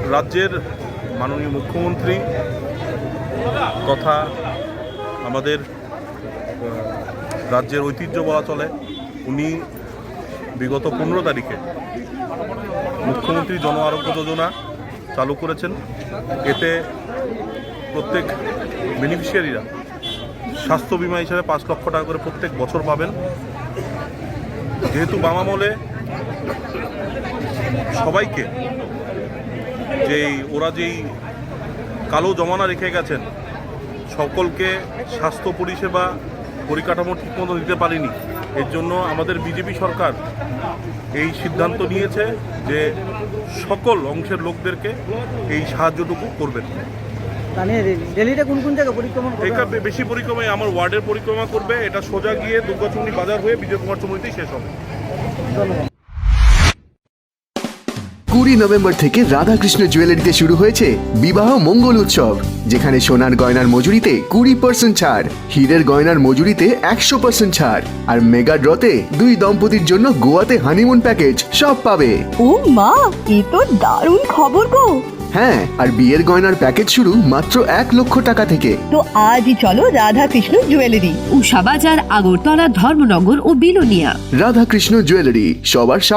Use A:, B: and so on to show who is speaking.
A: রাজ্যের মাননীয় মুখ্যমন্ত্রী তথা আমাদের রাজ্যের ঐতিহ্য বলা চলে, উনি বিগত 15 তারিখে মুখ্যমন্ত্রী জন আরোগ্য যোজনা চালু করেছেন। এতে প্রত্যেক বেনিফিশিয়ারিরা স্বাস্থ্য বিমা হিসাবে 5 লক্ষ টাকা করে প্রত্যেক বছর পাবেন। যেহেতু বাম আমলে সবাইকে যেই কালো জমানা রেখে গেছেন, সকলকে স্বাস্থ্য পরিষেবা পরিকাঠামো ঠিকমতো দিতে পারেনি। এর জন্য আমাদের বিজেপি সরকার এই সিদ্ধান্ত নিয়েছে যে সকল অংশের লোকদেরকে এই সাহায্যটুকু করবেন।
B: দিল্লিতে কোন কোন জায়গায় পরিক্রমা করবে?
A: এটা বেশি পরিক্রমায় আমার ওয়ার্ডের পরিক্রমা করবে। এটা সোজা গিয়ে দুর্গাচুমনি বাজার হয়ে বিজয় কুমার চৌমুহনীতেই শেষ হবে।
B: ধন্যবাদ।
C: 20 নভেম্বর থেকে রাধাকৃষ্ণ জুয়েলারিতে শুরু হয়েছে বিবাহ মঙ্গল উৎসব, যেখানে সোনার গয়নার মজুরিতে 20% ছাড়, হীরের গয়নার মজুরিতে 100% ছাড়, আর মেগা ড্রতে 2 দম্পতির জন্য গোয়াতে হানিমুন প্যাকেজ সব পাবে।
D: ও মা, এ তো দারুণ খবর গো।
C: হ্যাঁ, আর বিয়ের গয়নার প্যাকেজ শুরু মাত্র 1 লক্ষ টাকা থেকে।
D: তো আজই চলো রাধাকৃষ্ণ জুয়েলারি,
E: উষাবাজার, আগরতলা, ধর্মনগর ও বিলোনিয়া।
C: রাধাকৃষ্ণ জুয়েলারি, সবার